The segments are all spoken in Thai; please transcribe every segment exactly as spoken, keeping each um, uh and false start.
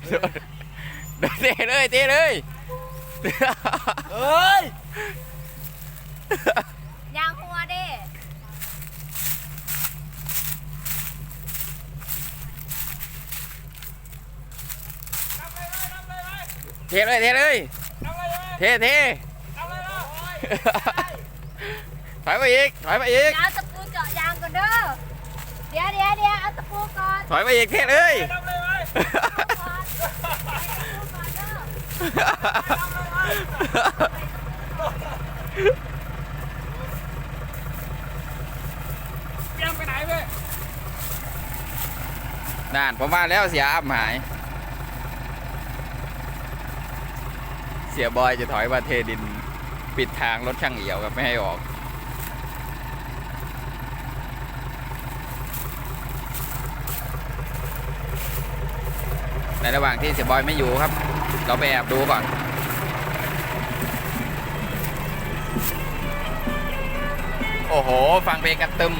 เตะเลยเตะเลยเฮ้ยยางหัวเด้เทเลยเทเลยเทเทถอยไปอีกถอยไปอีกเอาตะปูเจาะยางก่อนเด้อเดี๋ยวเดี๋ยวเดี๋ยวเอาตะปูก่อนถอยไปอีกเทเลยยังไปไหนเว้ยนั่นผมมาแล้วเสียอับหายเสียบอยจะถอยมาเทดินปิดทางรถช่างเอี่ยวกับไม่ให้ออกในระหว่างที่เสียบอยไม่อยู่ครับเราไปแอบดูก่อนโอ้โหฟังเพลงกันตึม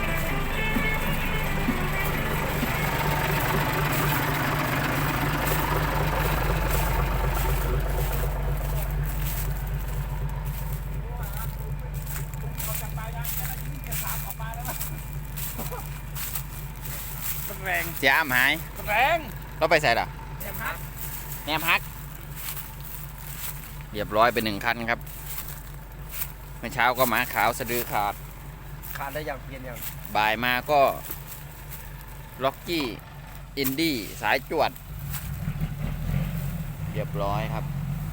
แรงเสียอ้ำหายแรงเราไปใส่หรอแนมฮักแนมฮักเรียบร้อยเป็นหนึ่งคันครับเมื่อเช้าก็หมาขาวสะดือขาดขาดได้อย่างเพียนอย่างบ่ายมาก็ล็อกกี้อินดี้สายจวดเรียบร้อยครับ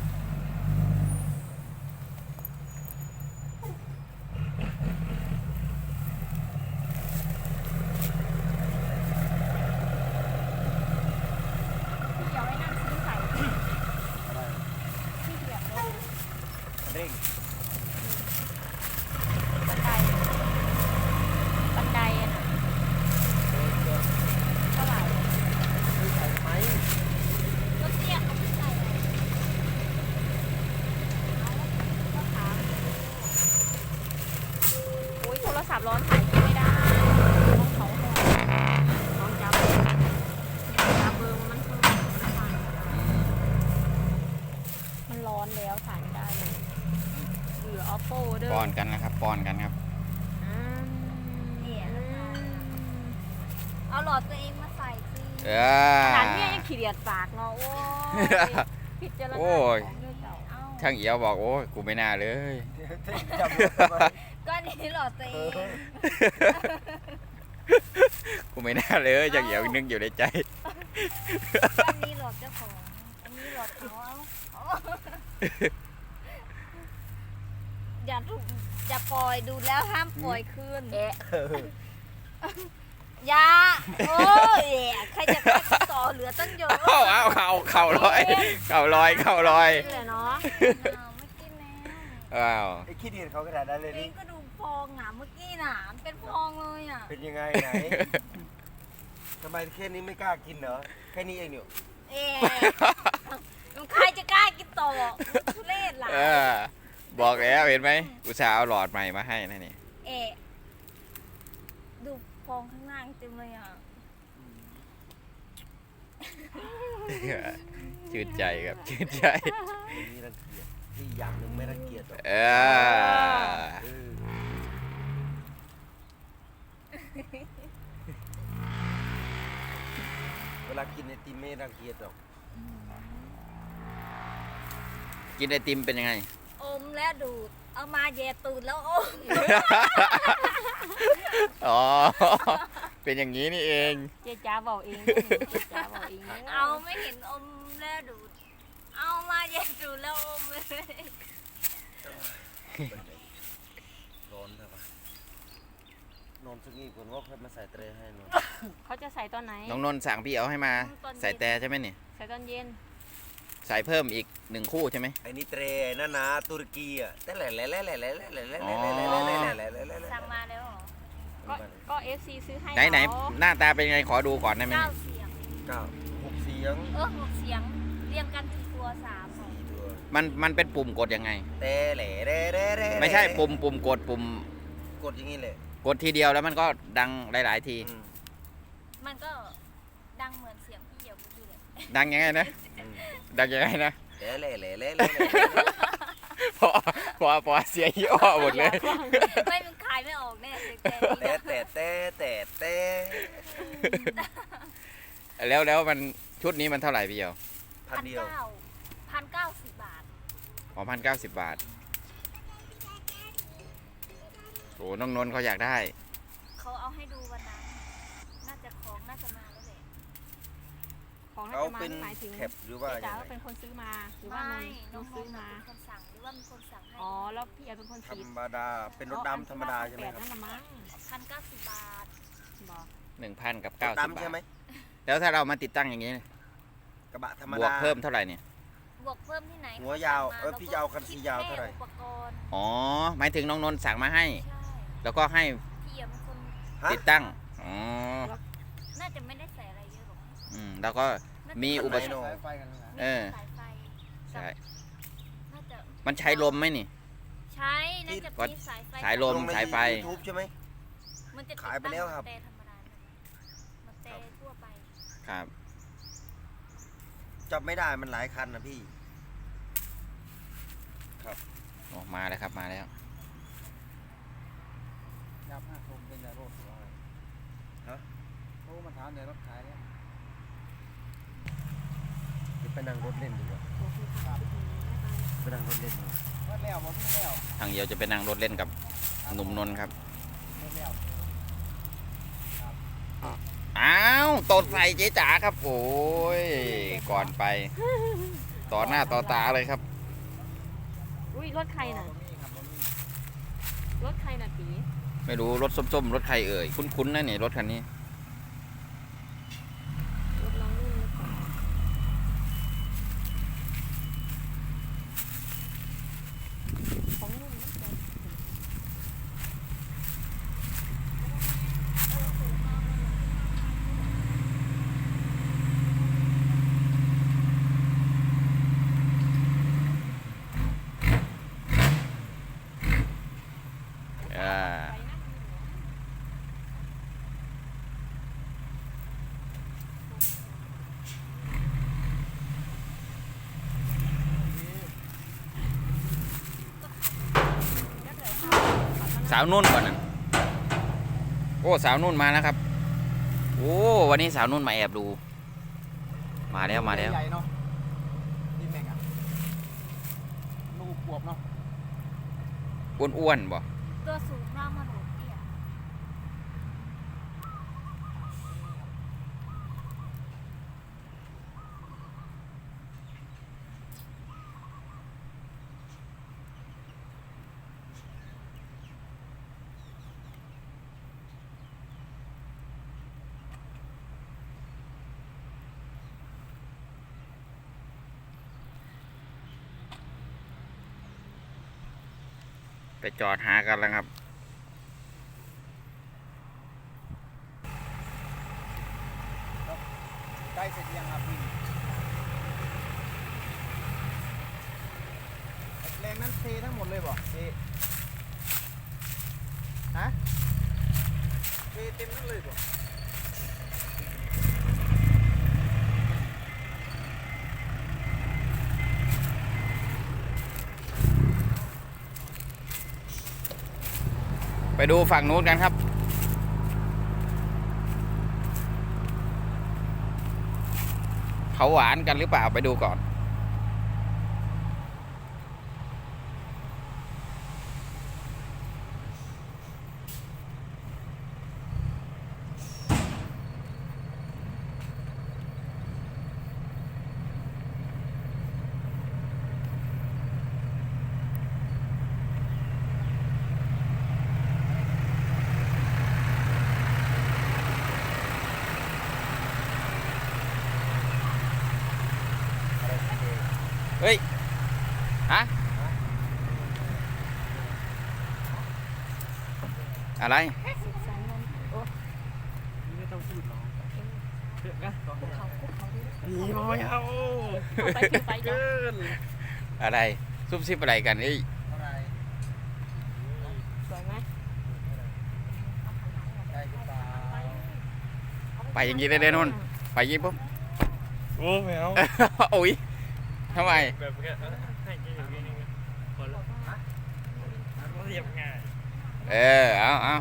เร่งบันไดบันไดอะนะเท่าไหร่ใส่ไหมรถเตี้ยเขาไม่ใส่ก็ถามโอ้ยโทรศัพท์ร้อนถ่ายไม่ได้ต้องเขาหอน้องจับจับเบอร์มันเพิ่มมันร้อนแล้วถ่ายไม่ได้เลยเหลือ oppo เด้อป้อนกันนะครับป้อนกันครับเนี่ยเอาหลอดตัวเองมาใส่สิเออขนาดนี้ยังขี้เดียดปากเนาะโอ้ยผิดเจริญของด้วยเจ้าช่างเอี่ยวบอกโอ้ยกูไม่น่าเลยก็นี่หลอดตัวเองกูไม่น่าเลยช่างเอี่ยวนึกอยู่ในใจอันนี้หลอดเจ้าของอันนี้หลอดเขาอย่าถูกอย่าปล่อยดูแล้วห้ามปล่อยคืนเอะอย่าโอ้ยใครจะไปต่อเหลือตั้งเยอะเอาเอาเข่าเข่าลอยเข่าลอยเข่าลอยเลยเนาะไม่กินแล้วอ้าวไอ้ขี้ดินเขาขนาดนั้นเลยนี่ก็ดูฟองอ่ะเมื่อกี้น่ะเป็นฟองเลยอ่ะเป็นยังไงไหนทำไมแค่นี้ไม่กล้ากินเหรอแค่นี้เองเนี่ยเอ๊ะใครจะกล้ากินต่อทุเรศหลายบอกแล้วเห็นไหมอุตส่าห์เอาหลอดใหม่มาให้นะนี่เอ๊ะดูฟองข้างล่างเต็มเลยอ่ะชื่นใจครับชื่นใจนี่รังเกียจที่อย่างหนึ่งไม่รังเกียจหรอกเออเวลากินไอติมไม่รังเกียจหรอกกินไอติมเป็นยังไงอมแล้วดูดเอามาแย่ตูดแล้วอมอ๋อเป็นอย่างนี้นี่เองเจ๊จ๋าบอกเองเจ๊จ๋าบอกเองเอาไม่เห็นอมแล้วดูดเอามาแย่ตูดแล้วอมเลยร้อนใช่ปะนอนสักนิดก่อนว่าค่อยมาใส่เตรให้นอนเขาจะใส่ตอนไหนน้องนนท์สั่งพี่เอาให้มาใส่แต่ใช่ไหมเนี่ยใส่ตอนเย็นใส่เพิ่มอีกหนึ่งคู่ใช่ไหมไอ้นี่เตรนั่นนะตุรกีอ่ะแต่แหล่แหล่แหล่แหล่แหล่แหล่แหล่แหล่แหล่แหล่แหล่แหล่สั่งมาแล้วก็ก็เอฟซีซื้อให้ไหนไหนหน้าตาเป็นไงขอดูก่อนได้ไหมเก้าเสียงเก้าหกเสียงเออหกเสียงเรียงกันกี่ตัวสามตัวมันมันเป็นปุ่มกดยังไงเตะแหล่แหล่แหล่แหล่ไม่ใช่ปุ่มปุ่มกดปุ่มกดอย่างนี้เลยกดทีเดียวแล้วมันก็ดังหลายๆทีมันก็ดังเหมือนเสียงพี่เหี่ยวเมื่อกี้เลยดังยังไงนะอืมดังยังไงนะเละเละเละเละเละเละพอพอพอเสียยี่อ้อหมดเลยไม่มันขายไม่ออกแน่เสียงแกนี่แต่แต่แต่แต่แต่แล้วแล้วมันชุดนี้มันเท่าไหร่พี่เดียวพันพันเดียวเก้าพันเก้าสิบบาทอ๋อพันเก้าสิบบาทโอ้น้องนนท์เขาอยากได้เขาเอาให้ดูวันนั้นน่าจะของน่าจะมาแล้วแหละของน่าเขาจะมาเป็นหมายถึงแคปหรือว่าเจ๊ยัจ๋างไงเป็นคนซื้อมาหรือว่าไม่น้น้ออง งซื้อๆมาเป็นคนสั่งหรือว่ามีคนสั่งให้อ๋อแล้วพี่เอาเป็นคนธรฉีดรมดาเป็นรถดำธรรมดาใช่ไหมครับนั่นละมั้งพันเก้าสิบบาทบอกหนึ่งพันกับรเก้าถสิบบาดำใช่ไหมทแล้วถ้าเรามาติดตั้งอย่างนี้กระบะธรรมบวดากเพิ่มเท่าไหร่เนี่ยบวกเพิ่มที่ไหนหัวยาวขเออพี่จะเอาคันสียาวเท่าไหร่คิดแค่อุปกรณ์อ๋อหมายถึงน้องนนท์สั่งมาให้ใช่แล้วก็ให้พี่เอี่ยมเป็นคนฮะติดตั้งอ๋อน่าจะไม่ได้ใส่อะไรเยอะหรอกอืมแล้วก็น่าจะมีอุปไหนกรณ์โน่เออสายไฟใช่น่าจะมันใช้ลมไหมนี่ใช้น่าจะมีสายไฟสายลมลงในสายไฟยูทูบใช่ไหมมันจะติดขายไปแล้วครับตั้งแต่ธรรมดามันแต่ทั่วไปครับจับไม่ได้มันหลายคันนะพี่ออกมาแล้วครับมาแล้วยับห้าคมเป็นยาโรคตัวอะไรฮะโอ้มาถามในรถขายเนี่ยเดี๋ยวไปนั่งรถเล่นดีกว่าไปนั่งรถเล่นดีกว่าว่าแล้วมาพี่แล้วทางเดียวจะไปนั่งรถเล่นกับหนุ่มนนท์ครับไม่แล้วอ้าวตดใส่เจ๊จ๋าครับโอ้ยก่อนไป ต่อหน้าต่อตาเลยครับอุ้ยรถใครน่ะบ่มีครับบ่มีรถใครน่ะปีไม่รู้รถส้มๆรถใครเอ่ยคุ้นๆนะนี่รถคันนี้รถน้องนุ่นหรือเปล่าของนุ่นนะจ๊ะอ่าไปนั่งอยู่เหรอสาวนุ่นก่อนนะโอ้สาวนุ่นมาแล้วครับโอ้วันนี้สาวนุ่นมาแอบดู มาแล้วมาแล้วใหญ่เนาะนี่แม่งอ่ะลูกบวบเนาะอ้วนๆบ่ตัวสูงร่างมาโหดเตี้ยไปจอดหากันแล้วครับใกล้เสร็จยังครับพี่แรงนั้นเททั้งหมดเลยบ่เทฮะเทเต็มทั้งเลยบ่ไปดูฝั่งนู้นกันครับ เขาหวานกันหรือเปล่าไปดูก่อน เฮ้ย ฮะ อะไรสายนนท์โอ้ไม่ต้องพูดหรอกเดี๋ยวนะคุกเขาคุกเขาดินี่บ่ไม่เอาเอาไปคือไปจ้ะเกินอะไร ซุบซิบอะไรกันเอ้ยเท่าไหร่สวยไหมได้หรือเปล่าไปอย่างนี้ได้เลยนุ่น ไปอยิงปุ๊บโอ้ไม่เอาโอ้ยทำไมแบบแค่ให้กินอย่างนี้คนละเรียบง่ายเออเอาเอา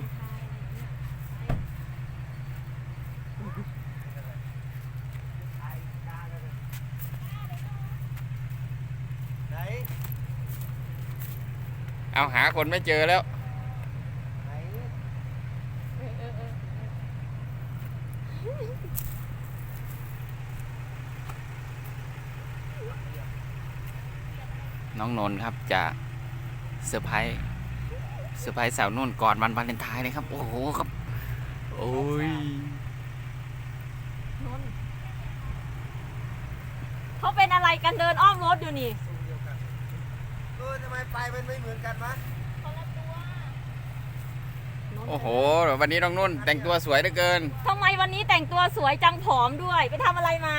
ไหนเอาหาคนไม่เจอแล้วไหนน้องนนท์ครับจะเซอร์ไพรส์เซอร์ไพรส์สาวนุ่นก่อนวันวาเลนไทน์เลยครับ โอ้โหครับ โอ้ยนนท์เขาเป็นอะไรกันเดินอ้อมรถอยู่นี่เออทำไมไปมันไม่เหมือนกันวะโอ้โหวันนี้น้องนุ่นแต่งตัวสวยเหลือเกินทำไมวันนี้แต่งตัวสวยจังผอมด้วย ไปทำอะไรมา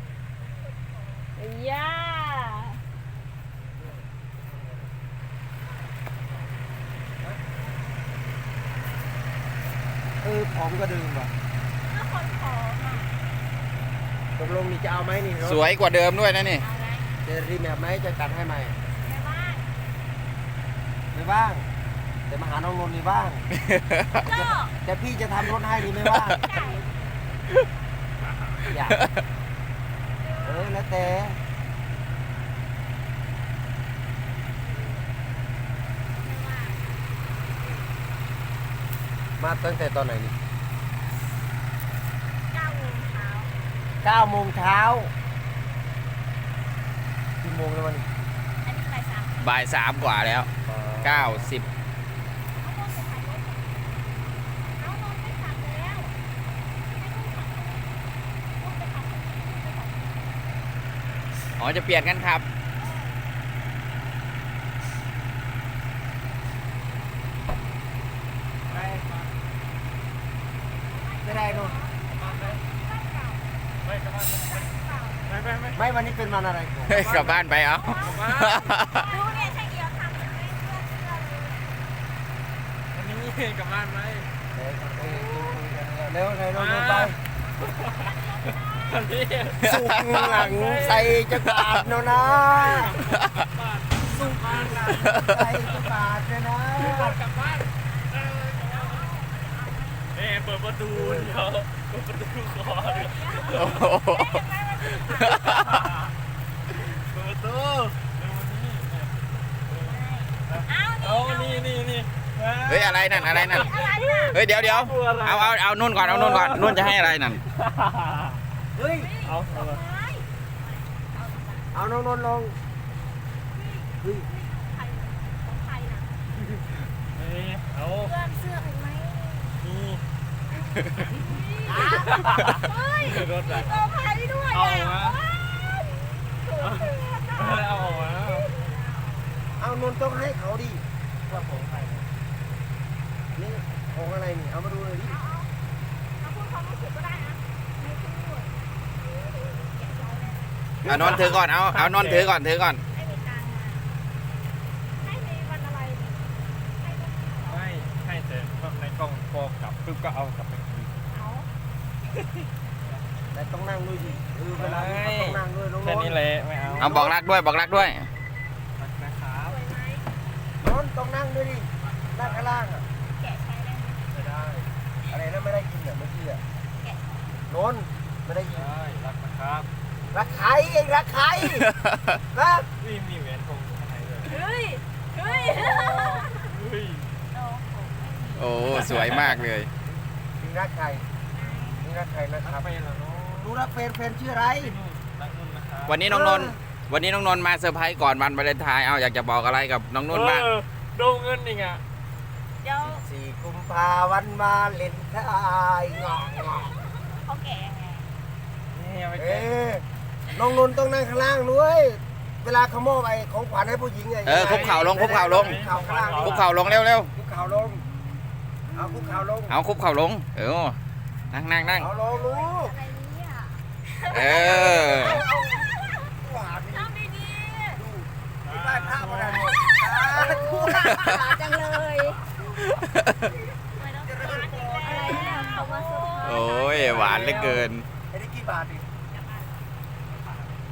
ย่าเออผอมก็เดิมว่ะถ้าคนผอมอ่ะตกลงนี่จะเอาไหมนี่รถสวยกว่าเดิมด้วยนะนี่เอาไงจะรีแมปไหมจะตัดให้ใหม่แม่บ้านไม่บ้างแต่มาหาน้องนนท์นี่บ้างก็แต่พี่จะทำรถให้นี่ไม่ว่างใช่อยากเออแล้วแต่มาตั้งแต่ตอนไหนนี่เก้าโมงเช้าเก้าโมงเช้ากี่โมงแล้ววันนี้อันนี้บ่ายสามบ่ายสามกว่าแล้วเก้าสิบเอานนท์ไปถ่ายรถเอานนท์ไปขับแล้วให้นนท์ขับเลยนนท์ไปขับคนนี้นนท์ไปขับคนนี้อ๋อจะเปลี่ยนกันครับไม่ได้นู่นไม่กลับบ้านไม่ไม่ไม่ไม่วันนี้เป็นวันอะไรก่อนเฮ้ยกลับบ้านไปเอาดูเนี่ยช่างเอียวทำเหมือนไม่เชื่อเชื่อเลยวันนี้กลับบ้านไหมเดี๋ยวเอ้ยจูงมือกันเร็วเร็วเร็วเร็วไปวันนี้สุกหลังใส่จะบาดเนาะนะสุกบ้านกันใส่จะบาดเลยนะกลับบ้านเออเปิดประตูเดี๋ยวเปิดประตูคอเดี๋ยวโอ้โหเปิดประตูเร็ววันนี้เอาเอานี่นี่นี่นี่เฮ้ยอะไรนั่นอะไรนั่นอะไรน่ะเฮ้ยเดี๋ยวเดี๋ยวเอาเอาเอานุ่นก่อนเอานุ่นก่อนนุ่นจะให้อะไรนั่นเฮ้ยเอาเอาไม่เอาน้องนนท์ลงเฮ้ยใครของใครน่ะเอ้ยเอาเพื่อนเสื้อเห็นไหมนี่เฮ้ยรถอะเซอร์ไพรส์ด้วยเอาอ่ะมา เอาออกมาเอานนท์ต้องให้เขาดิว่าผมใครนี่ของอะไรนี่เอามาดูเลยดิเอาพูดความรู้สึกก็ได้นะไม่พูดแกะใจเลยเอานนท์ถือก่อนเอาเอานนท์ถือก่อนถือก่อนให้มีตังค์มาให้ในวันอะไรเนี่ยให้วันไม่ให้แต่ในกล้องพอกลับปุ๊บก็เอากลับไปคืนเอาแต่ต้องนั่งด้วยดิเออเวลานี้เขาต้องนั่งด้วยน้องนแค่นนี้ท์แหละไม่เอาเอาบอกรักด้วยบอกรักด้วยนะครับสวยไหมนนท์ต้องนั่งด้วยดินั่งข้างล่างอ่ะแกะใช้ได้ไหมไม่ได้อะไรนะไม่ได้ยินอ่ะเมื่อกี้อ่ะนนท์ไม่ได้ยินได้รักนะครับรักใครเองรักใครฮะนี่มีแหวนทองอยู่ข้างในเลยเฮ้ย เฮ้ยเฮ้ยโอ้โหโอ้สวยมากเลยนี่รักใครนี่รักใครนะครัรักบไปแล้วเนาะดูรักแฟนแฟนชื่ออะไรที่นู่นรักนู่นนะครับวันนี้น้องนนท์วันนี้น้องนนท์มาเซอร์ไพรส์ก่อนวันวาเลนไทน์เอาอยากจะบอกอะไรกับน้องนุ่นบ้างเออโดนเงินอีกอ่ะเดี๋ยวสี่กุมภาวันมาเล่นทายงองงองเขาแกะยังไงนี่เอาไปเอ๊แกะน้องนนท์ต้องนั่งข้างล่างด้วยเวลาเขามอบไอ้ของขวัญให้ผู้หญิงไงเออคุกเข่าลงคุกเข่าลงคุกเข่าข้างล่างคุกเข่าลงเร็วเร็วคุกเข่าลงเอาคุกเข่าลงเอาคุกเข่าลงเออนั่งนั่งนั่งเอาลงลูกอะไรเนี่ยเออหวานทำดีดูที่บ้านท่าประดานหมดๆจังเลยไม่ต้องการอะไรเนี่ยเขามาซื้อโอ้ยหวานเหลือเกินไอ้นี่กี่บาทดิเ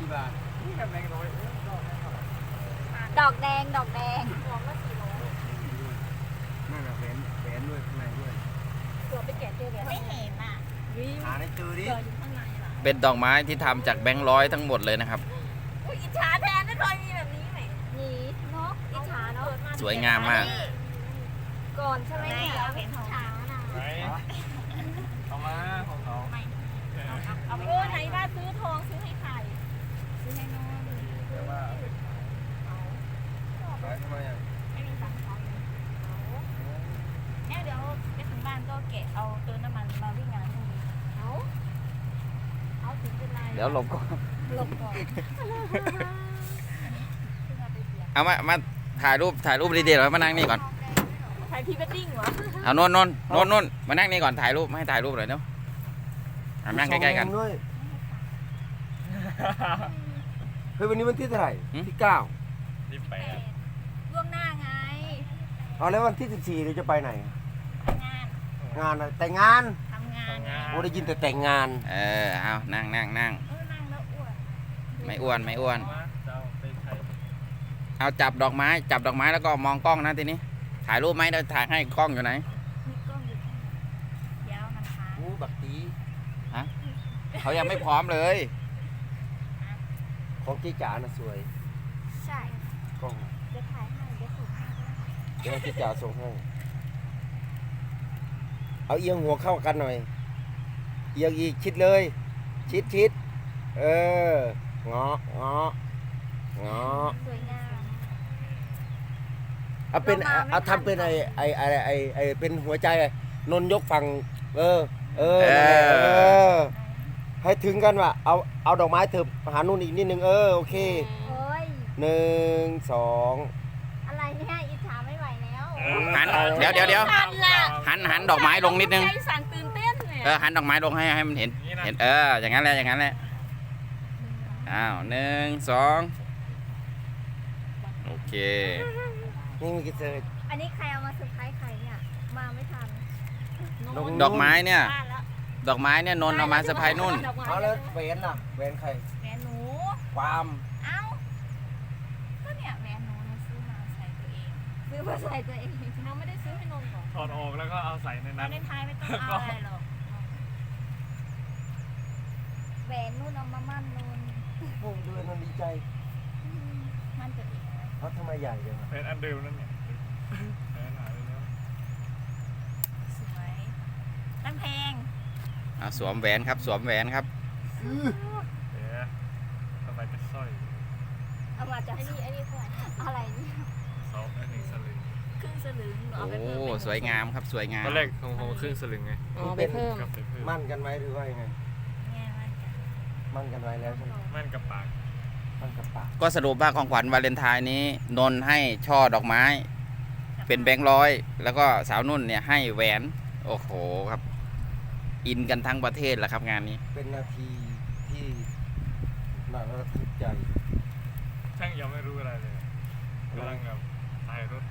กี่บาทนี่กับแบงค์ร้อยเออดอกแบงค์เท่าไหร่ดอกแดงดอกแดงรวมละสี่ร้อยนั่นน่ะแหวนแหวนด้วยข้างในด้วยเกือบไปแกะเจอแบบไม่เห็นอ่ะวิ่งหาในเจอดิเจออยู่ข้างในล่ะเป็นดอกไม้ที่ทำจากแบงค์ร้อยทั้งหมดเลยนะครับอุ้ยอิจฉาแทนไม่เคยมีแบบนี้ไหมนี่เนาะอิจฉาเนาะสวยงามมากก่อนใช่ไหมเนี่ยเห็นของช้านะไหนเอามาของเขาเอาไปเออไหนว่าซื้อทองซื้อให้ใครซื้อให้น้องแต่ว่าเอาไปขายทำไมอ่ะไม่มีตังค์ทอนเนี่ยเดี๋ยวไปถึงบ้านก็แกะเอาเติมน้ำมันมาวิ่งงานพรุ่งนี้เอาเอาถึงเป็นไรเดี๋ยวหลบก่อนหลบก่อนเอามา มาถ่ายรูป ถ่ายรูปดีๆแล้วมานั่งนี่ก่อนถ่ายพรีเวดดิ้งเหรอเอานนนนนนนนมานั่งนี่ก่อนถ่ายรูปให้ถ่ายรูปหน่อยเนาะเอานั่งใกล้ๆกันด้วยเฮ้ยวันนี้วันที่เท่าไหร่หืมที่เก้ายี่สิบแปดล่วงหน้าไงเอาแล้ววันที่สิบสี่เราจะไปไหนงานงานอะไรแต่งงานทำงานงานโอ้ได้ยินแต่แต่งงานเออ เอานั่งนั่งนั่งเออนั่งแล้วอ้วนไม่อ้วน ไม่อ้วนมาเจ้าไปใครเอาจับดอกไม้ จับดอกไม้แล้วก็มองกล้องนะทีนี้ ถ่ายรูปไหมเดี๋ยวถ่ายให้กล้องอยู่ไหนมีกล้องอยู่ข้างในเดี๋ยวมันค้างโอ้บักตีเขายังไม่พร้อมเลยของเจ๊จ๋าน่ะสวยใช่กล้องเดี๋ยวถ่ายให้เดี๋ยวส่งให้เดี๋ยวให้เจ๊จ๋าส่งให้เอาเอียงหัวเข้ากันหน่อย เอียงอีกชิดเลย ชิดชิดเออเงาะเงาะเงาะสวยงามเอาเป็นเรามาไม่เอาทันทำเป็นไอไอไอไอไอเป็นหัวใจไอ้นนยกฝั่งเออ เออเออนั่นแหละเออ ให้ถึงกันว่ะเอาเอาดอกไม้เถอะหานู่นอีกนิดนึงเออโอเคโอ้ยหนึ่งสองอะไรเนี่ยอิจฉาไม่ไหวแล้วหัน เดี๋ยวเดี๋ยวเดี๋ยวสั่นละหันหันดอกไม้ลงนิดนึงใจสั่นตื่นเต้นเนี่ยเออ หันดอกไม้ลงให้ให้มันเห็น เห็น เออ อย่างนั้นแหละ อย่างนั้นแหละ อ้าวหนึ่งสองโอเคนี่มีกี่เจออันนี้ใครเอามาเซอร์ไพรส์ใครเนี่ย มาไม่ทันลงดอกไม้เนี่ยบ้านแล้วดอกไม้เนี่ยนนท์เอามาเซอร์ไพรส์นุ่นดอกไม้เอาแล้วแหวนล่ะแหวนใครแหวนหนูความเอ้า ก็เนี่ยแหวนหนูหนูซื้อมาใส่ตัวเอง ซื้อมาใส่ตัวเองเราไม่ได้ซื้อให้นนท์ก่อนถอดออกแล้วก็เอาใส่ในเรานั้นในไทยไม่ต้องเอาอะไรหรอกแหวนนู่นเอามามั่นนนท์โอ้ดูนนดีใจอืมมั่นตัวเองไว้เขาทำไมใหญ่จังอะเป็นอันเดิมนั่นเนี่ยเป็นหายไปแล้วสวยตั้งเพลงอ่ะสวมแหวนครับ สวมแหวนครับเดี๋ยวทำไมเป็นสร้อยเอามาจากไอ้นี่ไอ้นี่เท่าไหร่อะไรเนี่ยสองอันหนึ่งสลึงครึ่งสลึงหนูโอ้เอาไปเพิ่มเป็นสวยงามครับ สวยงามตอนแรกของผมครึ่งสลึงไงอ๋อไปเพิ่มกับไปเพิ่มมั่นกันไว้หรือว่ายังไงแง่มากจ้ะมั่นกันไว้แล้วใช่ไหมมั่นกับปากมั่นกับปากก็สรุปว่าของขวัญวาเลนไทน์นี้ นนท์ให้ช่อดอกไม้ เป็นแบงค์ร้อย แล้วก็สาวนุ่นเนี่ยให้แหวน โอ้โหครับ อินกันทั้งประเทศแหละครับงานนี้เป็นนาทีที่น่าระทึกใจช่างยังไม่รู้อะไรเลยกำลังแบบถ่ายรถ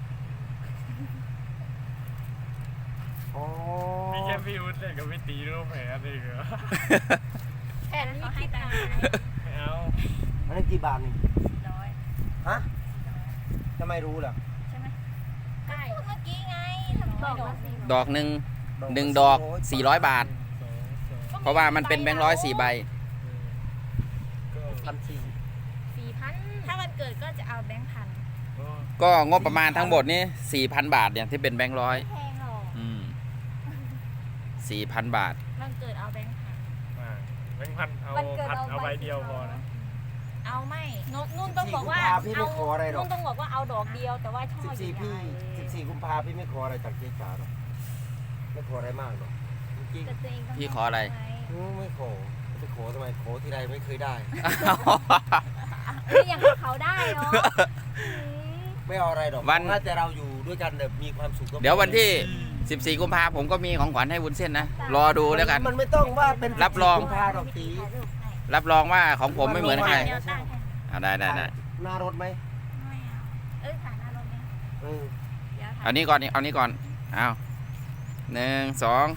อ๋อมีแค่พี่อุ้ดเนี่ยกับพี่ตีรูปแผลอะไรเหรอแผ่นนี้คิดมาไม่เอาอันนี้กี่บาทนี่สี่ร้อยฮะทำไมรู้ล่ะใช่ไหมใช่พูดเมื่อกี้ไงทำไมบอกว่าสี่ดอกหนึ่ง หนึ่งดอกสี่ร้อยบาทสองสองเพราะว่ามันเป็นแบงค์ร้อยสี่ใบก็พันสี่สี่พันถ้าวันเกิดก็จะเอาแบงค์พันก็ก็งบประมาณทั้งหมดนี่สี่พันบาทเนี่ยที่เป็นแบงค์ร้อยไม่แพงหรอกอืมสี่พันบาทวันเกิดเอาแบงค์พันมาแบงค์พันเอาวันเกิดพันเอาเอาใบใบเดียวพอนะเอาไม่นุ่นนุ่นต้องบอกว่าพี่ไม่ขออะไรหรอกนุ่นต้องบอกว่าเอาดอกเดียวแต่ว่าช่อสิบใหสี่ญ่พี่ๆสิบสี่กุมภาพี่ไม่ขออะไรจากเจ๊จ๋าหรอกไม่ขออะไรมากหรอกจริงแต่ตัวเองต้องพี่ขออะไรๆอืมไม่ขอจะขอทำไมขอที่ไรไม่เคยได้เอ้ยอย่างกับเขาได้เนาะอืมไม่เอาอะไรหรอกวันถ้าแต่เราอยู่ด้วยกันแบบมีความสุขก็พอเดี๋ยววันที่สิบสี่กุมภาผมก็มีของขวัญให้วุ้นเส้นนะ รอดูแล้วกันมันไม่ต้องว่าเป็นรับรองกุมภาหรอกตีถ่ายรูปให้รับรองว่าของผมไม่เหมือนใครเดี๋ยวตั้งให้อ่าได้ได้ได้หน้ารถไหมไม่เอาเอ้ยถ่ายหน้ารถไหมเออเดี๋ยวถ่ายเอานี้ก่อนเอานี้ก่อนเอาหนึ่งสอง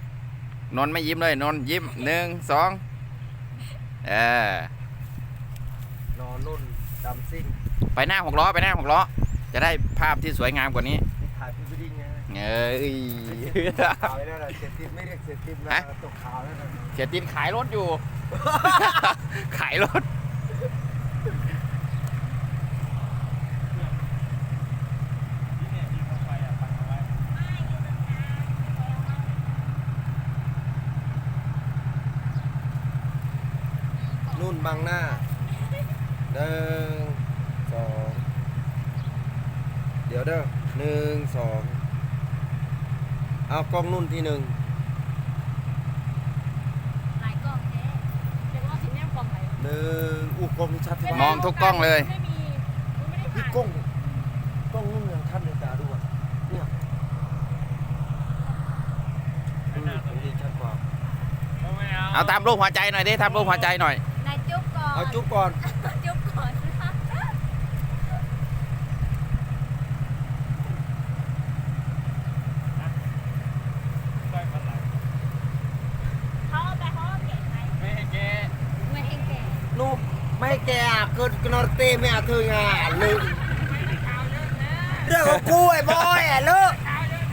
นนท์ไม่ยิ้มเลยนนท์ยิ้มหนึ่งสองเออนุ่นดำซิ่งไปหน้าหกล้อไปหน้าหกล้อจะได้ภาพที่สวยงามกว่านี้นี่ถ่ายพรีเวดดิ้งไงเอ้ยขาวแล้วนะเสร็จติดไม่เรียกเสร็จติดนะฮะตกขาวแล้วนะเสียตินขายรถอยู่ ขายรถที่เนี่ยมีคนไปอ่ะปักเอาไว้ไม่อยู่ตรงกลางแล้วนุ่นบังหน้าหนึ่งสองเดี๋ยวเด้อหนึ่งสองเอากล้องนุ่นที่หนึ่งหลายกล่องเจ๊เดี๋ยวเราสิแนมกล่องไหนหนึ่งอู้กล้องนี้ชัดที่มมอองทุกกล้องเลยไม่มีมันไม่ได้พี่ถ่ายกล้องกล้องนุ่นยังชัดเลยตาดูอ่ะเนี่ยอืมของนี้ชัดกว่าเอาไม่เอาเอาตามรูปหัวใจหน่อยดิทำรูปหัวใจหน่อยนายจุ๊บก่อนเอาจุ๊บก่อนจุ๊บก่อนนะไปพันหลังเขาเอาไปเขาเอาเก็บไหมไม่ให้แกไม่ให้แก่นูไม่แกอ่ะเกิดกนอร์เต้ไม่อาเธองานเลยเรื่องของกูไอ้บอยอ่ะเลิก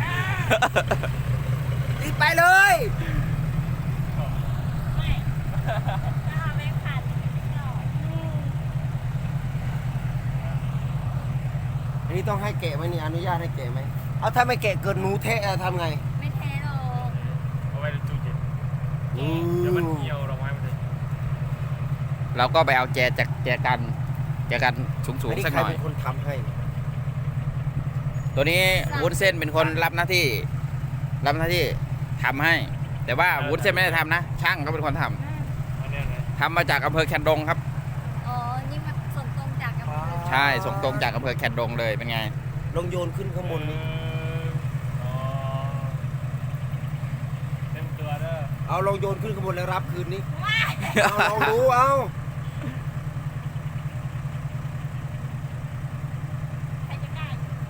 รีบไปเลยไม่ถ้าเอาแบงค์พันไม่หรอกอันนี้ต้องให้แกะไหมนี่อนุญาตให้แกะไหมเอาถ้าไม่แกะเกิดหนูเทะอะทำไงไม่แท้หรอกเอาไว้ในตู้เย็นอืเดี๋ยวมันมเหี่ยวดอกไม้มันจะเราก็ไปเอาแจจากแจกันแจกันสูงอันๆนี้สักใครหน่อยเป็นคนทำให้ตัวนี้วุ้นเส้นเป็นคนรับหน้าที่ รับหน้าที่ทำให้ แต่ว่าวุ้นเส้นไม่ได้ทำนะ ช่างเขาเป็นคนทำอันเนี้ยนะทำมาจากอำเภอแคนดงครับอ๋อ นี่มันส่งตรงจากอำเภอใช่ส่งตรงจากอำเภอแคนดงเลยเป็นไงลงโยนขึ้นข้างบนนี้อ๋อเต็มตัวเด้อเอาลงโยนขึ้นข้างบนแล้วรับคืนนี้เอาลองดูเอาใครจะกล้า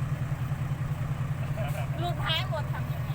ลูกท้ายหมดทำยังไง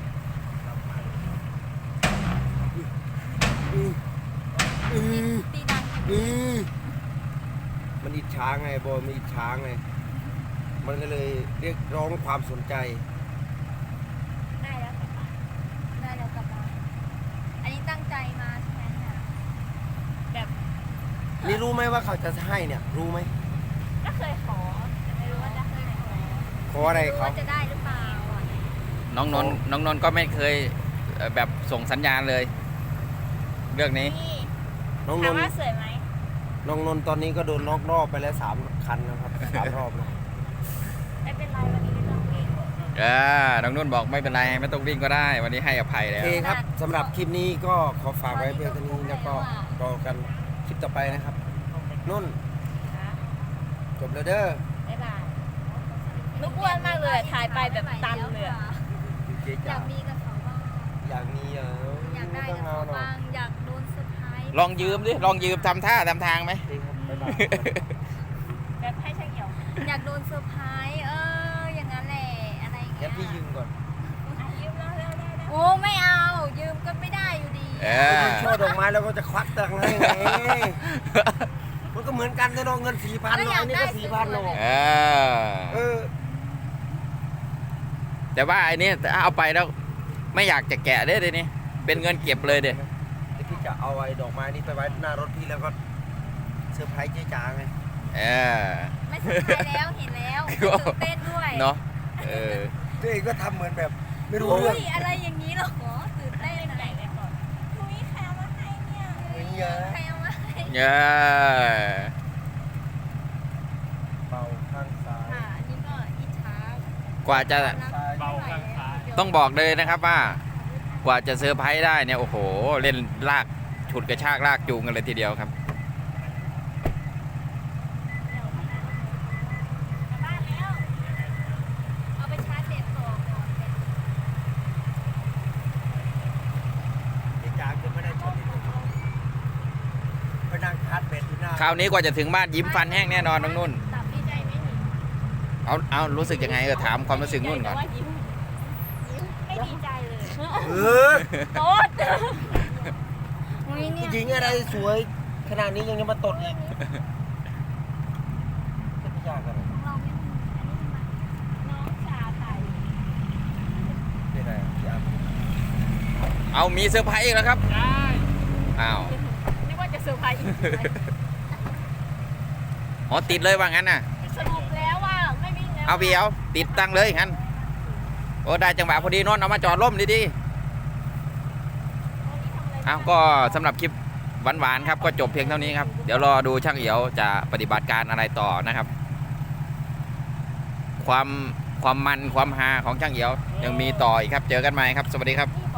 อืมอืมตีดังอืมมันอิจฉาไงบอยมันอิจฉาไงมันก็เลยเรียกร้องความสนใจได้แล้วกลับบ้านได้แล้วกลับบ้านอันนี้ตั้งใจมาใช่ไหมเนี่ยแบบนี่รู้ไหมว่าเขาจะให้เนี่ย รู้ไหมก็เคยขอแต่ไม่รู้ว่าจะให้ไหมขออะไรไม่รู้เขาว่าจะได้หรือเปล่าอ่ะน้องนนท์น้องนนท์ก็ไม่เคยเอ่อแบบส่งสัญญาณเลย เรื่องนี้นี่น้องนถามนท์ว่าสวยไหมน้องนนท์ตอนนี้ก็โดนนอกรอบไปแล้วสามคันนะครับสามรอบแล้วไม่เป็นไรวันนี้ไม่ต้องวิ่งเออน้องนุ่นบอกไม่เป็นไรไม่ต้องวิ่งก็ได้ วันนี้ให้อภัยโอแล้วเคครับสำหรับคลิปนี้ก็ขอฝากไว้เพียงเท่านี้แล้วก็รอกันคลิปต่อไปนะครับ นุ่นนะจบแล้วเด้อบ๊ายบายลูกอ้วนมากเลยถ่ายไปแบบตันเลยอะเจ๊อจ๋ายากมีกับเขาบ้างอยากมีเอออยากได้กับเขาบ้างอยากโดนเซอร์ไพรส์ลองยืมดิลองยืมทำท่าทำทางไหมดีครับบ๊ายบายแบบให้ช่างเหี่ยวอยากโดนเซอร์ไพรส์เอออย่างนั้นแหละอะไรอย่างงั้เงี้นพี่ยืยมก่อนยืมแล้วแล้วโอ้ไม่เอายืมก็ไม่ได้อยู่ดีเออยืมช่อดอกไม้แล้วก็จะควักตังค์ให้ไงมันก็เหมือนกันนะน้องเงินสี่พันน้อยนี่ก็สี่พันน้องเออเออแต่ว่าไอ้นี่ถ้าเอาไปแล้วไม่อยากจะแกะเด้อเดี๋ยวนี้เป็นเงินเก็บเลยเด้เดี๋ยวพี่จะเอาไอ้ดอกไม้นี้ไปไว้หน้ารถพี่แล้วก็เซอร์ไพรส์เจ๊จ๋าไงเออไม่สนใจแล้วเห็นแล้วตื่นเต้นด้วยเนาะเออตัวเองก็ทำเหมือนแบบ ไม่รู้อุ้เรื่องยอะไรอย่างนี้เหรอตื่นเต้นอะไรเนี่ยก่อนคุยใครเอามาให้เนี่ยเฮ้ยเยอะใครเอามาให้เออเบาข้างซ้ายค่ะอันนี้ก็อิจฉากว่าจะเบาข้างซ้ายต้องบอกเลยนะครับว่ากว่าจะเซอร์ไพรส์ได้เนี่ยโอ้โหเล่นลากฉุดกระชากลากจูงกันเลยทีเดียวครับกลับบ้านแล้วเอาไปชาร์จเด็ดต่อก่อนเจ๊จ๋าก็ไม่ได้ชนไปนั่งคัดเบ็ดอยู่หน้าคราวนี้กว่าจะถึงบ้านยิ้มฟันแห้งแน่นอนน้องนุ่นตับดีใจไหมหนิเอาเอารู้สึกยังไงเออถามความรู้สึกนุ่นก่อนไม่ดีใจเลยเออโต๊ดอุ้ยเนี่ผู้ยหญิงอะไรสวยขนาดนี้ยังจะมาตดอีกยากกันเลยของเราไม่มีอันนี้มันน้องชาไทยเป็นไงยากเอามีเซอร์ไพรส์อีกแล้วครับได้อ้าวนึกว่าจะเซอร์ไพรส์อีกอ๋อติดเลยว่างั้นน่ะสรุปแล้วว่าไม่วิ่งแล้วเอาพี่เอาติดตั้งเลยงั้นโอ้ได้จังหวะพอดีนนท์เอามาจอดร่มดีๆอ้าวก็สำหรับคลิปหวานๆครับก็จบเพียงเท่านี้ครับเดี๋ยวรอดูช่างเอียวจะปฏิบัติการอะไรต่อนะครับ ความความมันความฮาของช่างเอียวยังมีต่ออีกครับเจอกันใหม่ครับสวัสดีครับนี่